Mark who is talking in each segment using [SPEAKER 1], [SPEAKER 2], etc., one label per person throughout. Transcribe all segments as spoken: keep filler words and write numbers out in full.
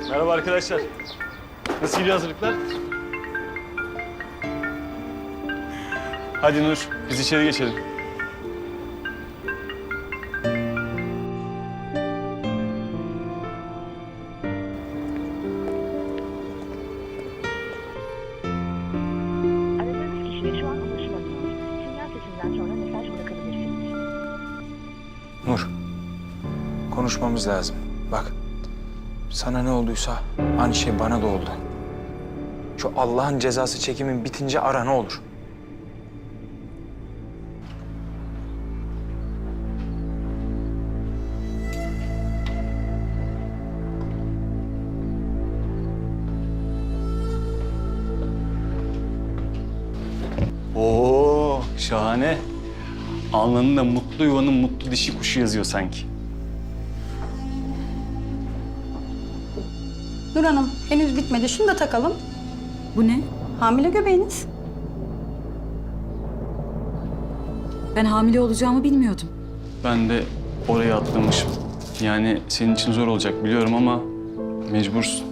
[SPEAKER 1] Merhaba arkadaşlar. Nasıl gidiyor hazırlıklar? Hadi Nur, biz içeri geçelim.
[SPEAKER 2] Aradığınız kişiye şu an ulaşılamıyor. Sinyal sesinden sonra mesaj bırakabilirsiniz.
[SPEAKER 3] Nur, konuşmamız lazım. Bak, sana ne olduysa aynı şey bana da oldu. Şu Allah'ın cezası çekimin bitince ara ne olur.
[SPEAKER 1] Oo, şahane. Alnında mutlu yuvanın mutlu dişi kuşu yazıyor sanki.
[SPEAKER 4] Nur Hanım, henüz bitmedi. Şunu da takalım.
[SPEAKER 5] Bu ne?
[SPEAKER 4] Hamile göbeğiniz.
[SPEAKER 5] Ben hamile olacağımı bilmiyordum.
[SPEAKER 1] Ben de oraya atlamışım. Yani senin için zor olacak biliyorum ama mecbursun.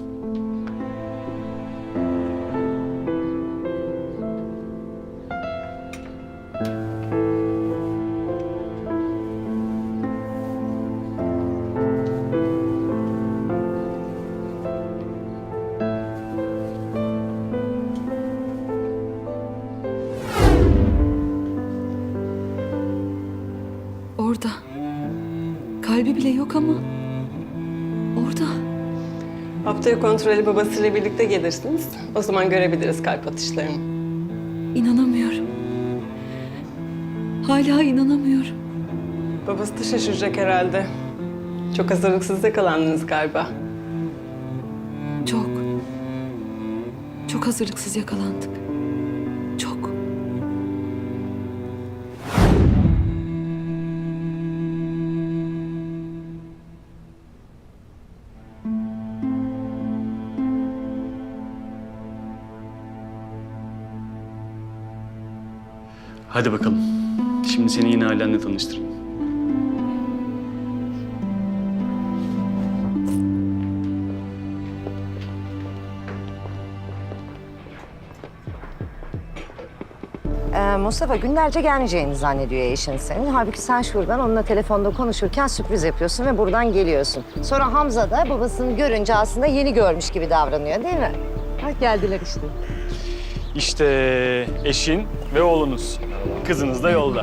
[SPEAKER 5] Orada. Kalbi bile yok ama. Orada.
[SPEAKER 6] Haftaya kontrolü babasıyla birlikte gelirsiniz. O zaman görebiliriz kalp atışlarını.
[SPEAKER 5] İnanamıyorum. Hala inanamıyorum.
[SPEAKER 6] Babası da şaşıracak herhalde. Çok hazırlıksız yakalandınız galiba.
[SPEAKER 5] Çok. Çok hazırlıksız yakalandık. Çok.
[SPEAKER 1] Hadi bakalım. Şimdi seni yeni ailenle tanıştırayım.
[SPEAKER 7] Ee, Mustafa günlerce gelmeyeceğini zannediyor eşin senin. Halbuki sen şuradan onunla telefonda konuşurken sürpriz yapıyorsun ve buradan geliyorsun. Sonra Hamza da babasını görünce aslında yeni görmüş gibi davranıyor değil mi? Bak geldiler işte.
[SPEAKER 1] İşte eşin ve oğlunuz. Kızınız da yolda.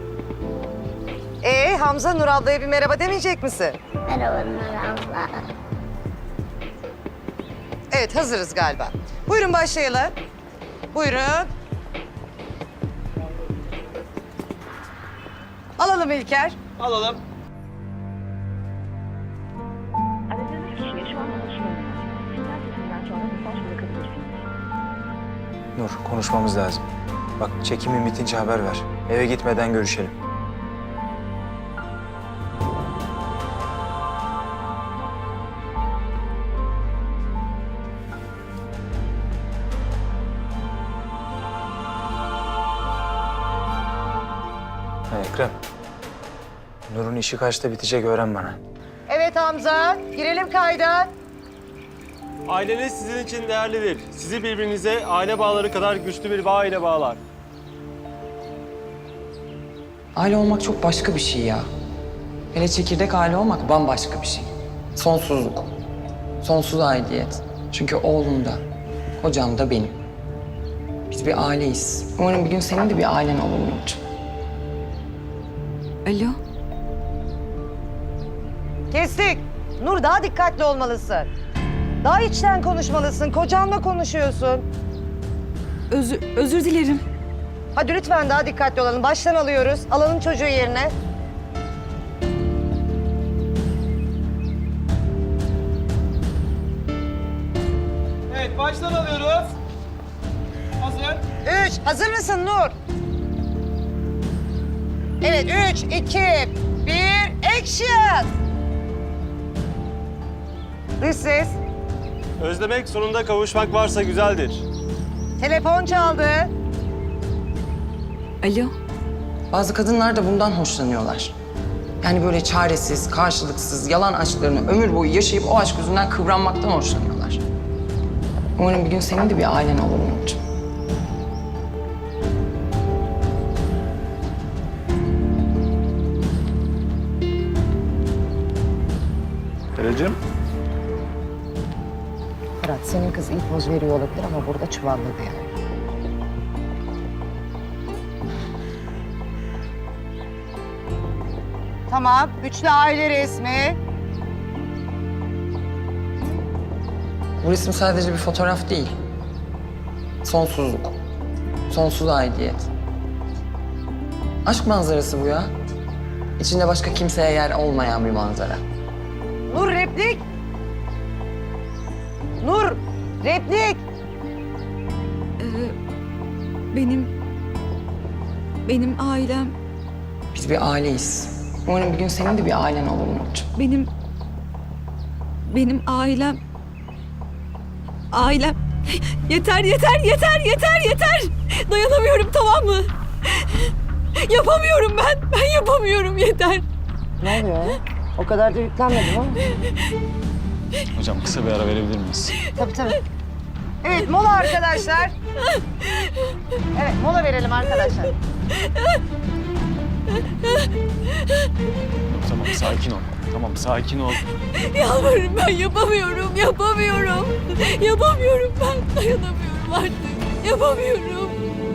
[SPEAKER 7] Ee Hamza, Nur ablaya bir merhaba demeyecek misin?
[SPEAKER 2] Merhaba Nur abla.
[SPEAKER 7] Evet, hazırız galiba. Buyurun başlayalım. Buyurun. Alalım İlker.
[SPEAKER 2] Aradığınız kişiye şu an ulaşılamıyor. Sinyal sesinden sonra mesaj bırakabilirsiniz.
[SPEAKER 3] Nur, konuşmamız lazım. Bak, çekimin bitince haber ver. Eve gitmeden görüşelim. Ha, Ekrem. Nur'un işi kaçta bitecek öğren bana.
[SPEAKER 7] Evet Hamza, girelim kayda.
[SPEAKER 8] Aileniz sizin için değerlidir. Sizi birbirinize aile bağları kadar güçlü bir bağ ile bağlar.
[SPEAKER 9] Aile olmak çok başka bir şey ya. Hele çekirdek aile olmak bambaşka bir şey. Sonsuzluk. Sonsuz aidiyet. Çünkü oğlum da, kocam da benim. Biz bir aileyiz. Umarım bir gün senin de bir ailen olur Nurcuğum.
[SPEAKER 5] Alo.
[SPEAKER 7] Kestik. Nur, daha dikkatli olmalısın. Daha içten konuşmalısın. Kocanla konuşuyorsun.
[SPEAKER 5] Özür, özür dilerim.
[SPEAKER 7] Hadi lütfen daha dikkatli olalım. Baştan alıyoruz. Alalım çocuğu yerine.
[SPEAKER 8] Evet, baştan alıyoruz. Hazır.
[SPEAKER 7] Üç. Hazır mısın Nur? Evet. Üç, iki, bir. Action! Dış ses.
[SPEAKER 8] Özlemek sonunda kavuşmak varsa güzeldir.
[SPEAKER 7] Telefon çaldı.
[SPEAKER 5] Alo.
[SPEAKER 9] Bazı kadınlar da bundan hoşlanıyorlar. Yani böyle çaresiz, karşılıksız, yalan aşklarını ömür boyu yaşayıp o aşk yüzünden kıvranmaktan hoşlanıyorlar. Umarım bir gün senin de bir ailen olur Nurcuğum.
[SPEAKER 8] Derecim.
[SPEAKER 7] Fırat, senin kız iyi poz veriyor olabilir ama burada çuvalladı yani. Tamam, üçlü aile resmi.
[SPEAKER 9] Bu resim sadece bir fotoğraf değil. Sonsuzluk. Sonsuz aidiyet. Aşk manzarası bu ya. İçinde başka kimseye yer olmayan bir manzara.
[SPEAKER 7] Nur replik. Nur replik.
[SPEAKER 5] Ee, benim... Benim ailem...
[SPEAKER 9] Biz bir aileyiz. Umarım bir gün senin de bir ailen olur Nurcuğum.
[SPEAKER 5] Benim... Benim ailem... Ailem... Yeter, yeter, yeter, yeter, yeter! Dayanamıyorum, tamam mı? Yapamıyorum ben, ben yapamıyorum, yeter.
[SPEAKER 7] Ne oluyor ya? O kadar da yüklenmedim ama.
[SPEAKER 1] Hocam kısa bir ara verebilir miyiz?
[SPEAKER 7] Tabii tabii. Evet, mola arkadaşlar. Evet, mola verelim arkadaşlar.
[SPEAKER 1] Tamam sakin ol. Tamam sakin ol.
[SPEAKER 5] Yalvarırım, ben yapamıyorum, yapamıyorum. Yapamıyorum ben, dayanamıyorum artık. Yapamıyorum.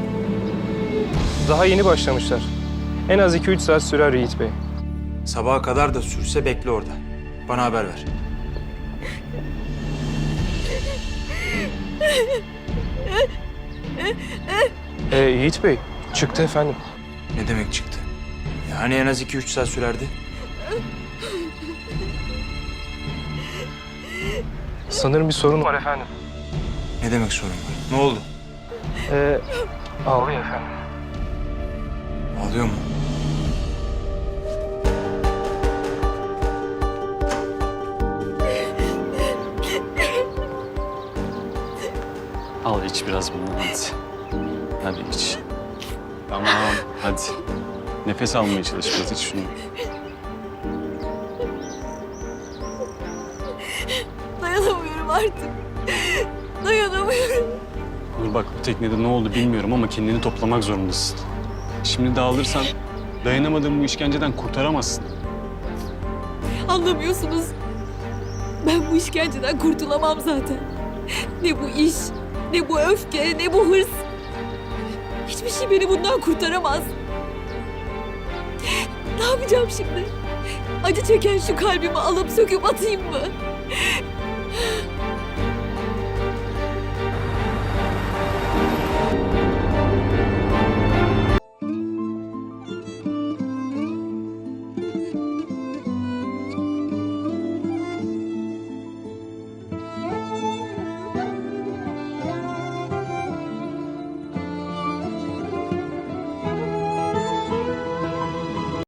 [SPEAKER 8] Daha yeni başlamışlar. En az iki üç saat sürer Yiğit Bey.
[SPEAKER 3] Sabaha kadar da sürse bekle orada. Bana haber ver.
[SPEAKER 8] Ee, Yiğit Bey, çıktı efendim.
[SPEAKER 3] Ne demek çıktı? Yani en az iki üç saat sürerdi.
[SPEAKER 8] Sanırım bir sorun var efendim.
[SPEAKER 3] Ne demek sorun var? Ne oldu?
[SPEAKER 8] Ee, ağlıyor efendim.
[SPEAKER 3] Ağlıyor mu?
[SPEAKER 1] Al iç biraz bunu hadi. Hadi iç. Tamam hadi. Nefes almaya çalış biraz iç şunu.
[SPEAKER 5] Dayanamıyorum artık. Dayanamıyorum.
[SPEAKER 1] Nur bak bu teknede ne oldu bilmiyorum ama kendini toplamak zorundasın. Şimdi dağılırsan dayanamadığın bu işkenceden kurtaramazsın.
[SPEAKER 5] Anlamıyorsunuz. Ben bu işkenceden kurtulamam zaten. Ne bu iş, ne bu öfke, ne bu hırs. Hiçbir şey beni bundan kurtaramaz. Ne yapacağım şimdi? Acı çeken şu kalbimi alıp söküp atayım mı?